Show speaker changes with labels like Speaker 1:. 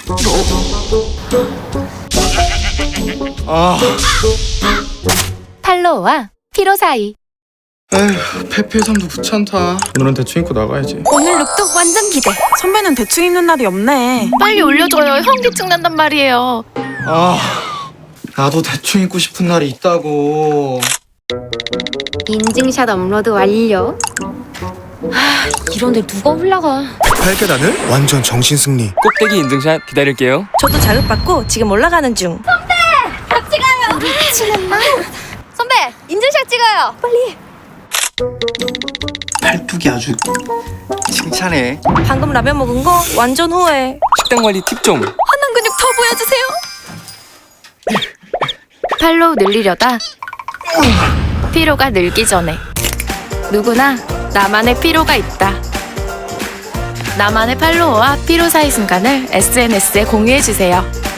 Speaker 1: 팔로우와 피로 사이.
Speaker 2: 에휴, 페페 삶도 귀찮다. 오늘은 대충 입고 나가야지.
Speaker 1: 오늘 룩도 완전 기대.
Speaker 3: 선배는 대충 입는 날이 없네.
Speaker 1: 빨리 올려줘요. 현기증 난단 말이에요.
Speaker 2: 나도 대충 입고 싶은 날이 있다고.
Speaker 1: 인증샷 업로드 완료. 이런데 누가 올라가?
Speaker 4: 8계단을 완전 정신승리.
Speaker 5: 꼭대기 인증샷 기다릴게요.
Speaker 3: 저도 자극받고 지금 올라가는 중.
Speaker 1: 선배, 인증샷 찍어요. 빨리.
Speaker 2: 팔뚝이 아주 칭찬해.
Speaker 3: 방금 라면 먹은 거 완전 후회.
Speaker 5: 식단 관리 팁 좀.
Speaker 1: 한남 근육 더 보여주세요. 팔로우 늘리려다 피로가 늘기 전에 누구나 나만의 피로가 있다. 나만의 팔로우와 피로 사이 순간을 SNS에 공유해주세요.